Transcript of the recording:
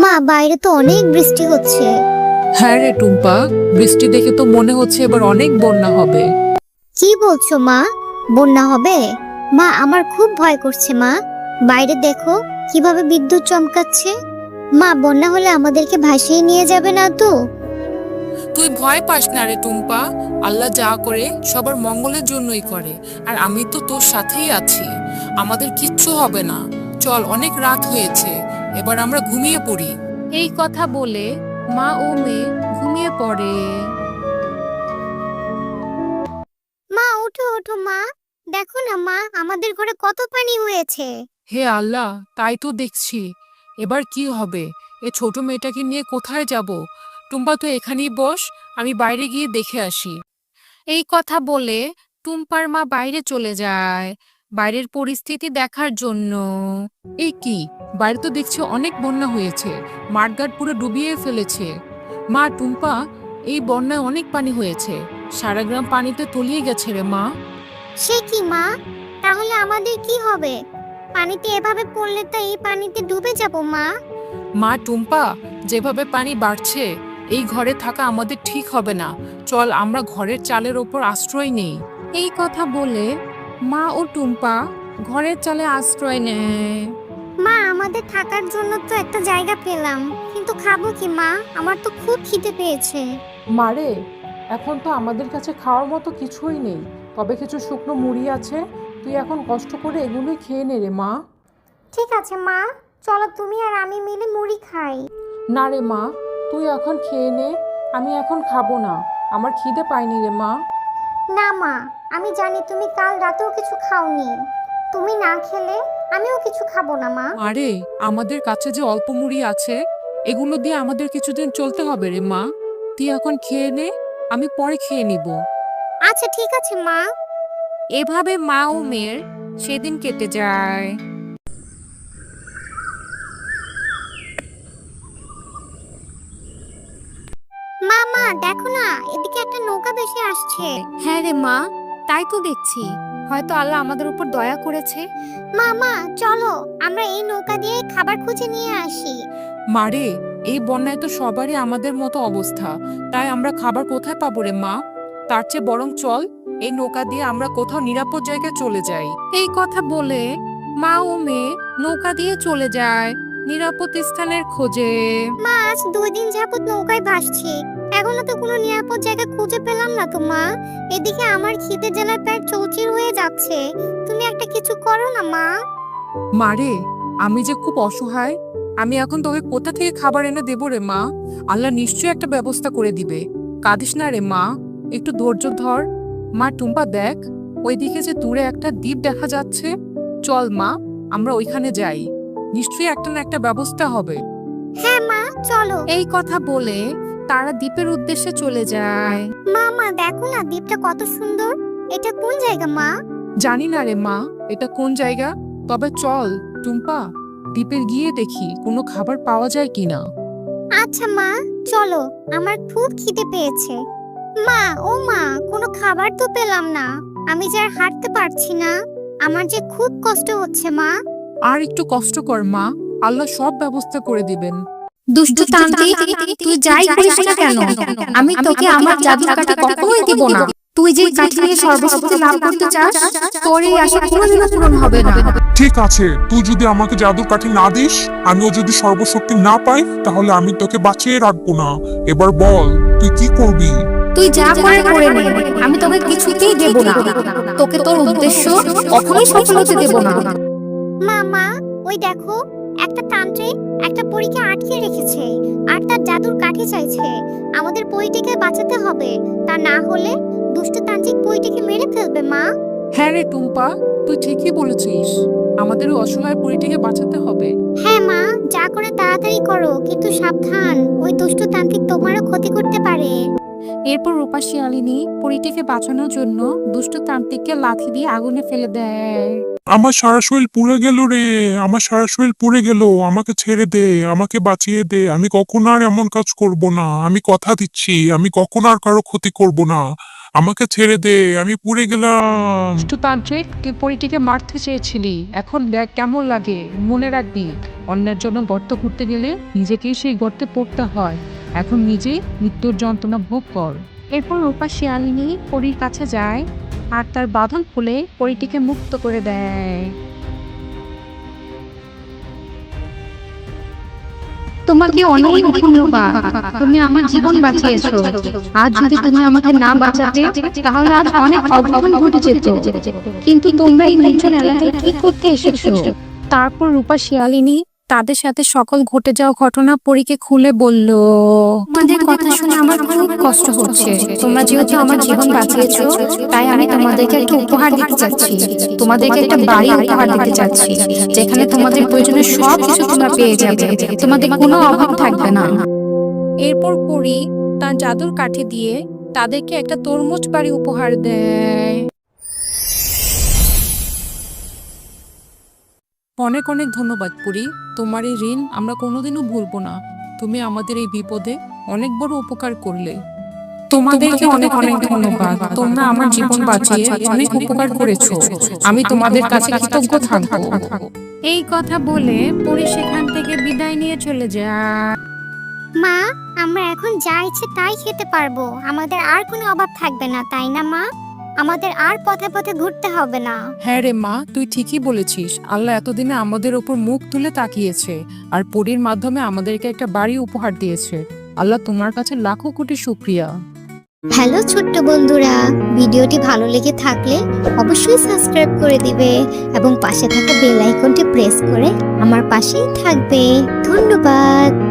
মা, বাইরে তো অনেক বৃষ্টি হচ্ছে। হ্যাঁ রে টুম্পা, বৃষ্টি দেখে তো মনে হচ্ছে এবার অনেক বন্যা হবে। কি বলছো মা? বন্যা হবে? মা, আমার খুব ভয় করছে মা। বাইরে দেখো কিভাবে বিদ্যুৎ চমকাচ্ছে। মা, বন্যা হলে আমাদেরকে ভাসিয়ে নিয়ে যাবে না তো? তুই ভয় পাস না রে টুম্পা, আল্লাহ যা করে সবার মঙ্গলের জন্যই করে। আর আমি তো তোর সাথেই আছি, আমাদের কিচ্ছু হবে না। চল, অনেক রাত হয়েছে, এবার আমরা ঘুমিয়ে পড়ি। এই কথা বলে মা ও মেয়ে ঘুমিয়ে পড়ে। মা, ওঠো ওঠো মা। দেখো না মা, আমাদের ঘরে কত পানি হয়েছে। হে আল্লাহ, তাই তো দেখছি। এবার কি হবে? এ ছোট মেয়েটাকে নিয়ে কোথায় যাব? টুম্পা, তো এখানেই বস, আমি বাইরে গিয়ে দেখে আসি। এই কথা বলে টুম্পার মা বাইরে চলে যায় বাইরের পরিস্থিতি দেখার জন্য। এই কি, বাইরে তো দেখছি অনেক বন্যা হয়েছে, মাঠঘাট পুরো ডুবিয়ে ফেলেছে। মা, টুম্পা, এই বন্যায় অনেক পানি হয়েছে, সারা গ্রাম পানিতে তলিয়ে গেছে রে মা। সে কি মা? তাহলে আমাদের কি হবে? পানিতে এভাবে পড়লে তো এই পানিতে ডুবে যাব মা। মা টুম্পা, যেভাবে পানি বাড়ছে এই ঘরে থাকা আমাদের ঠিক হবে না। চল, আমরা ঘরের চালের ওপর আশ্রয় নেই। এই কথা বলে মা ও টুম্পা ঘরের চালে আশ্রয় নেয়। মা, আমাদের থাকার জন্য তো একটা জায়গা পেলাম, কিন্তু খাবো কি মা? আমার তো খুব খিদে পেয়েছে। মারে, এখন তো আমাদের কাছে খাওয়ার মতো কিছুই নেই, তবে কিছু শুকনো মুড়ি আছে, তুই এখন কষ্ট করে এগুলোই খেয়ে নে রে মা। ঠিক আছে মা, চলো তুমি আর আমি মিলে মুড়ি খাই। না রে মা, তুই এখন খেয়ে নে, আমি এখন খাবো না, আমার খিদে পায়নি রে মা। না মা, আমি জানি তুমি কাল রাতেও কিছু খাওনি। তুমি না খেলে আমিও কিছু খাবো না মা। আরে, আমাদের কাছে যে অল্প মুড়ি আছে এগুলো দিয়ে আমাদের কিছুদিন চলতে হবে রে মা। তুই এখন খেয়ে নে, আমি পরে খেয়ে নিব। আচ্ছা ঠিক আছে মা। এভাবে মা ও মেয়ের সেদিন কেটে যায়। মা মা, দেখো না, এদিকে একটা নৌকা ভেসে আসছে। হ্যাঁ রে মা, তাই তো দেখছি, হয়তো আল্লাহ আমাদের উপর দয়া করেছে। মা মা, চলো আমরা এই নৌকা দিয়ে খাবার খুঁজে নিয়ে আসি। মারে, এই বন্যায় তো সবারই আমাদের মতো অবস্থা, তাই আমরা খাবার কোথায় পাবো রে মা? তার চেয়ে বরং চল, এই নৌকা দিয়ে আমরা কোথাও নিরাপদ জায়গায় চলে যাই। এই কথা বলে মা ও মেয়ে নৌকা দিয়ে চলে যায় নিরাপদ স্থানের খোঁজে। মা, আজ 2 দিন যাবত নৌকায় ভাসছি, এখনো তো কোনো নিরাপদ জায়গা খুঁজে পেলাম না তো মা। এদিকে আমার খিদে জ্বালায় পেট চৌচির হয়ে যাচ্ছে। তুমি একটা কিছু করো না মা। মারে, আমি যে খুব অসহায়, আমি এখন তোকে কোথা থেকে খাবার এনে দেবো রে মা? আল্লাহ নিশ্চয়ই একটা ব্যবস্থা করে দিবে। কাঁদিস না রে মা, একটু ধৈর্য ধর। মা টুম্পা, দেখ ওইদিকে যে দূরে একটা দ্বীপ দেখা যাচ্ছে, চল মা, আমরা ওইখানে যাই, নিশ্চয়ই একটা না একটা ব্যবস্থা হবে। হ্যাঁ মা, চলো। এই কথা বলে তারা দ্বীপের উদ্দেশ্যে চলে যায়। মা মা, দেখো না দ্বীপটা কত সুন্দর। এটা কোন জায়গা মা? জানি না রে মা, এটা কোন জায়গা, তবে চল টুম্পা, দ্বীপে গিয়ে দেখি কোনো খাবার পাওয়া যায় কিনা। আচ্ছা মা, চলো। আমার খুব খিদে পেয়েছে। মা, ও মা, কোনো খাবার তো পেলাম না। আমি যে আর হাঁটতে পারছি না, আমার যে খুব কষ্ট হচ্ছে মা। আর একটু কষ্ট কর মা, আল্লাহ সব ব্যবস্থা করে দিবেন। দুষ্টু তান্ত্রিক, তুই যাই করিস না কেন, আমি তোকে আমার জাদুর কাঠি কখনোই দিব না। তুই যে কাঠি নিয়ে সর্বশক্তি লাভ করতে চাস, তোর এই আশা কোনোদিনও পূরণ হবে না। ঠিক আছে, তুই যদি আমাকে জাদুর কাঠি না দিস, আমিও যদি সর্বশক্তি না পাই, তাহলে আমি তোকে বাঁচিয়ে রাখবো না। এবার বল, তুই কি করবি? তুই যা করে নে, আমি তোকে কিছুতেই দেব না। তোকে তোর উদ্দেশ্য কখনোই সফল হতে দেব না। মা মা, ওই দেখো, একটা তান্ত্রিক একটা পরীকে আটকে রেখেছে আর তার জাদুর কাঠি চাইছে। আমাদের পরীটিকে বাঁচাতে হবে, তা না হলে দুষ্ট তান্ত্রিক পরীটিকে মেরে ফেলবে মা। হ্যাঁ রে টুম্পা, তুই ঠিকই বলেছিস, আমাদের ওই অসহায় পরিটিকে বাঁচাতে হবে। হ্যাঁ মা, যা করে তাড়াতাড়ি করো, কিন্তু সাবধান, ওই দুষ্ট তান্ত্রিক তোমারও ক্ষতি করতে পারে। এরপর রূপা শিয়ালিনী পরিটিকে বাঁচানোর জন্য দুষ্ট তান্ত্রিককে লাথি দিয়ে আগুনে ফেলে দেয়। আমার সারা শরীর পুড়ে গেল রে, আমার সারা শরীর পুড়ে গেল, আমাকে ছেড়ে দে, আমাকে বাঁচিয়ে দে, আমি কখনো আর এমন কাজ করব না, আমি কথা দিচ্ছি, আমি কখনো আর কারো ক্ষতি করব না, আমাকে ছেড়ে দে, আমি পুড়ে গেলাম। দুষ্টু তান্ত্রিক, তুই পরীটিকে মারতে চেয়েছিলি, এখন দেখ কেমন লাগে। মনে রাখবি, অন্যের জন্য গর্ত করতে গেলে নিজেকেই সেই গর্তে পড়তে হয়। এখন নিজেই মৃত্যুর যন্ত্রণা ভোগ কর। এরপর রূপা শিয়ালিনী পরীর কাছে যায় আর তার বাঁধন খুলে পরীটিকে মুক্ত করে দেয়। তোমাকে অনেক ধন্যবাদ, তুমি আমার জীবন বাঁচিয়েছো। আজ যদি তুমি আমাকে না বাঁচাতে তাহলে আজ অনেক অঘটন ঘটে যেত। কিন্তু তোমরা এই নির্জন এলাকায় কি করতে এসেছো? তারপর রূপা শিয়ালিনী তাদের সাথে সকল ঘটে যাওয়া ঘটনা পরীকে খুলে বলল। তোমাদের কথা শুনে আমার খুব কষ্ট হচ্ছে। তোমরা যেহেতু আমার জীবন বাঁচিয়েছো, তাই আমি তোমাদেরকে একটা উপহার দিতে চাচ্ছি। তোমাদেরকে একটা বাড়ি উপহার দিতে চাচ্ছি, যেখানে তোমাদের প্রয়োজনীয় সব কিছু তোমরা পেয়ে যাবে। তোমাদের কোনো অভাব থাকবে না। এরপর পরী তার জাদুর কাঠি দিয়ে তাদেরকে একটা তরমুজ বাড়ি উপহার দেয়। অনেক অনেক ধন্যবাদ পুরি, তোমার এই ঋণ আমরা কোনোদিনও ভুলবো না। তুমি আমাদের এই বিপদে অনেক বড় উপকার করলে। তোমাদেরকে অনেক অনেক ধন্যবাদ, তোমরা আমার জীবন বাঁচিয়ে অনেক উপকার করেছো। আমি তোমাদের কাছে কৃতজ্ঞ থাকবো। এই কথা বলে পরী সেখান থেকে বিদায় নিয়ে চলে যায়। মা, আমরা এখন যা ইচ্ছে তাই খেতে পারবো, আমাদের আর কোনো অভাব থাকবে না, তাই না মা? আমাদের আর পথে পথে ঘুরতে হবে না। হ্যাঁ রে মা, তুই ঠিকই বলেছিস। আল্লাহ এতদিনে আমাদের ওপর মুখ তুলে তাকিয়েছে আর পরীর মাধ্যমে আমাদেরকে একটা বাড়ি উপহার দিয়েছে। আল্লাহ তোমার কাছে লাখো কোটি শুকরিয়া। হ্যালো ছোট্ট বন্ধুরা, ভিডিওটি ভালো লেগে থাকলে অবশ্যই সাবস্ক্রাইব করে দিবে এবং পাশে থাকা বেল আইকনটি প্রেস করে আমার পাশেই থাকবে। ধন্যবাদ।